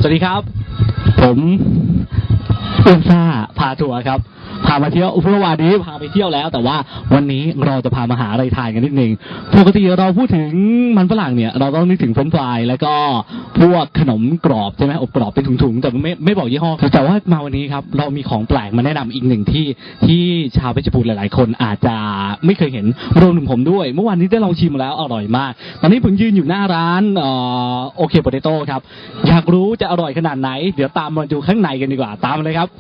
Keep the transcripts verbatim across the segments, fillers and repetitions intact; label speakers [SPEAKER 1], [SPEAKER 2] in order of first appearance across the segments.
[SPEAKER 1] วัสดีครับผมเอื้อมซ่าพาทัวร์ครับพามาเที่ยวเมื่อวานนี้พาไปเที่ยวแล้วแต่ว่าวันนี้เราจะพามาหาอะไรทานกันนิดนึงปกติเราพูดถึงมันฝรั่งเนี่ยเราต้องนึกถึงเฟรนช์ฟรายแล้วก็พวกขนมกรอบใช่ไหมอบกรอบเป็นถุงๆแต่ไม่ไม่บอกยี่ห้อแต่ว่ามาวันนี้ครับเรามีของแปลกมาแนะนำอีกหนึ่งที่ที่ชาวเพชรบูรณ์หลายๆคนอาจจะไม่เคยเห็นรวมถึงผมด้วยเมื่อวานนี้ได้ลองชิมมาแล้วอร่อยมากตอนนี้ผมยืนอยู่หน้าร้านโอเคโปเตโต้ครับอยากรู้จะอร่อยขนาดไหนเดี๋ยวตามมาดูข้างในกันดีกว่าตามมาเลยครับ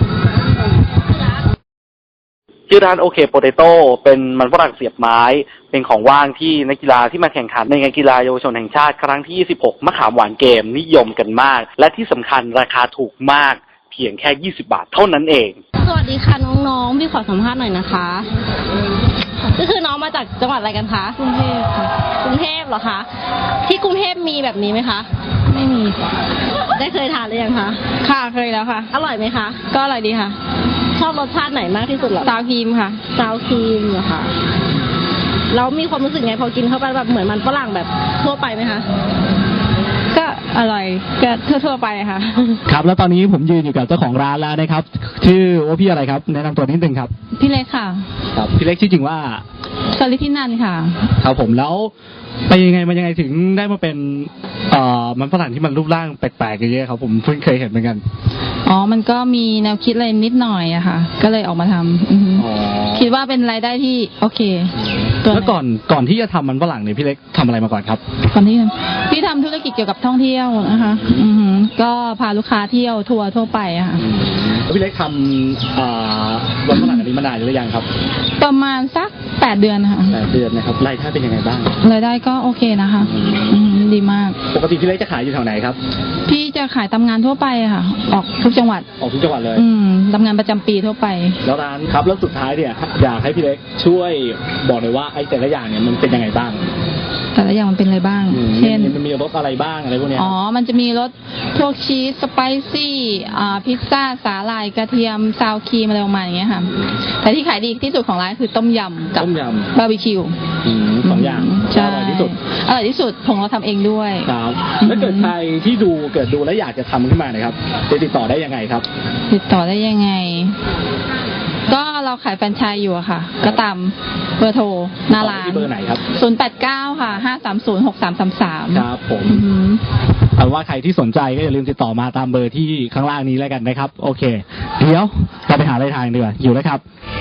[SPEAKER 2] ชื่อร้านโอเคโปเตโต้เป็นมันฝรั่งเสียบไม้เป็นของว่างที่นักกีฬาที่มาแข่งขันในงานกีฬาเยาวชนแห่งชาติครั้งที่ยี่สิบหกมะขามหวานเกมนิยมกันมากและที่สำคัญราคาถูกมากเพียงแค่ยี่สิบบาทเท่านั้นเอง
[SPEAKER 3] สวัสดีค่ะน้องๆพี่ขอสัมภาษณ์หน่อยนะคะก็คือน้องมาจากจังหวัดอะไรกันคะกรุงเทพค่ะกรุงเทพเหรอคะที่กรุงเทพมีแบบนี้ไหมคะไม่มีได้เคยทานหรือยังคะ
[SPEAKER 4] ค่ะเคยแล้วค่ะ
[SPEAKER 3] อร่อยไหมคะ
[SPEAKER 4] ก็อร่อยดีค่ะ
[SPEAKER 3] ชอบรสชาติไหนมากที่สุดเหรอ
[SPEAKER 4] ซาวครีมค่ะ
[SPEAKER 3] ซาวครีมเหรอคะแล้วมีความรู้สึกไงพอกินเข้าไปแบบเหมือนมันฝรั่งแบบทั่วไปไหมคะ
[SPEAKER 4] ก็อร่อยก็ทั่วๆไปค่ะ
[SPEAKER 1] ครับแล้วตอนนี้ผมยืนอยู่กับเจ้าของร้านแล้วนะครับชื่อว่าพี่อะไรครับแนะนำตัวนิดนึงครับ
[SPEAKER 4] พี่เล็กค่ะ
[SPEAKER 1] ครับพี่เล็กชื่อจริงว่า
[SPEAKER 4] สลิธินันท์ค่ะ
[SPEAKER 1] ครับผมแล้วไปยังไงมันยังไงถึงได้มาเป็นเอ่อมันฝรั่งที่มันรูปร่างแปลกๆอย่างเงี้ยครับผมเพิ่งเคยเห็นเหมือนกัน
[SPEAKER 4] อ๋อมันก็มีแนวคิดอะไรนิดหน่อยอะค่ะก็เลยออกมาทำคิดว่าเป็นรายได้ที่โอเค
[SPEAKER 1] แล้วก่อนก่อนที่จะทำมันฝรั่งเนี่ยพี่เล็กทำอะไรมาก่อนครับ
[SPEAKER 4] ก่อนที่พี่ทำธุรกิจเกี่ยวกับท่องเที่ยวนะคะอือก็พาลูกค้าเที่ยวทัวร์ทั่วไปอะค่ะ
[SPEAKER 1] แล้วพี่เล็กทำมันฝรั่งอันนี้มานานหรือยังครับ
[SPEAKER 4] ประมาณสักแปดเดือนค่ะ
[SPEAKER 1] แปดเดือนนะครับรายได้เป็นยังไงบ้าง
[SPEAKER 4] รายได้ก็โอเคนะคะดีมาก
[SPEAKER 1] ปกติพี่เล็กจะขายอยู่แถวไหนครับ
[SPEAKER 4] พี่จะขายตามงานทั่วไปค่ะออกทุกจังหวัด
[SPEAKER 1] ออกทุกจังหวัดเลย
[SPEAKER 4] อืมทำงานประจำปีทั่วไป
[SPEAKER 1] แล้วร้านครับแล้วสุดท้ายเนี่ยอยากให้พี่เล็กช่วยบอกหน่อยว่าไอ้แต่ละอย่างเนี่ยมันเป็นยังไงบ้าง
[SPEAKER 4] แต่ละอย่างมันเป็นอะไรบ้างเช่น
[SPEAKER 1] มันมีรสอะไรบ้างอะไรพวกนี้
[SPEAKER 4] อ๋อมันจะมีรสพวกชีสสไปซี่อ่าพิซซ่าสาหร่ายกระเทียมซาวครีมอะไรประมาณอย่างเงี้ยค่ะแต่ที่ขายดีที่สุดของร้านคือต้มยำกับบาร์บีคิว
[SPEAKER 1] สองอย่างอร่อยที่สุด
[SPEAKER 4] อร่อยที่สุดของเราทำเองด้วย
[SPEAKER 1] ครับแล้วเกิดใครที่ดูเกิดดูแล้วอยากจะทำขึ้นมานะครับจะติดต่อได้ยังไงครับ
[SPEAKER 4] ติดต่อได้ยังไงก็เราขายแฟรนไชส์อยู่อะค่ะก็ตามเบอร์โทรหน้าร้าน
[SPEAKER 1] เบอร์ไหนครับ
[SPEAKER 4] ศูนย์แปดเก้าค่ะห้าสามศูนย์หกสามสามสาม
[SPEAKER 1] ครับผมเอาว่าใครที่สนใจก็อย่าลืมติดต่อมาตามเบอร์ที่ข้างล่างนี้แล้วกันนะครับโอเคเดี๋ยวเราไปหาอะไรทางดีกว่าอยู่แล้วครับ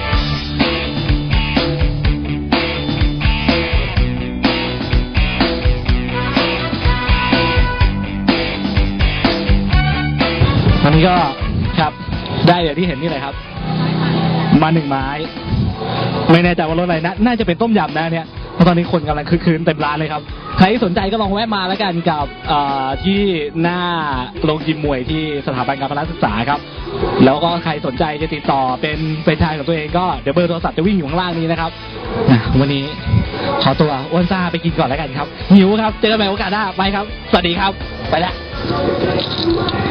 [SPEAKER 1] ตอนนี้ก็ครับได้อย่างที่เห็นนี่เลยครับมาหนึ่งไม้ไม่แน่ใจว่ารสอะไรนะน่าจะเป็นต้มยำนะเนี่ยเพราะตอนนี้คนกำลังคึกคืนเต็มร้านเลยครับใครที่สนใจก็ลองแวะมาแล้วกันกับที่หน้าโรงยิมมวยที่สถาบันการพละศึกษาครับแล้วก็ใครสนใจจะติดต่อเป็นเป็นชายของตัวเองก็เดี๋ยวเบอร์โทรศัพท์จะวิ่งอยู่ข้างล่างนี้นะครับวันนี้ขอตัวอ้วนซ่าไปกินก่อนแล้วกันครับหิวครับเจอกันใหม่โอกาสหน้าไปครับสวัสดีครับไปแล้ว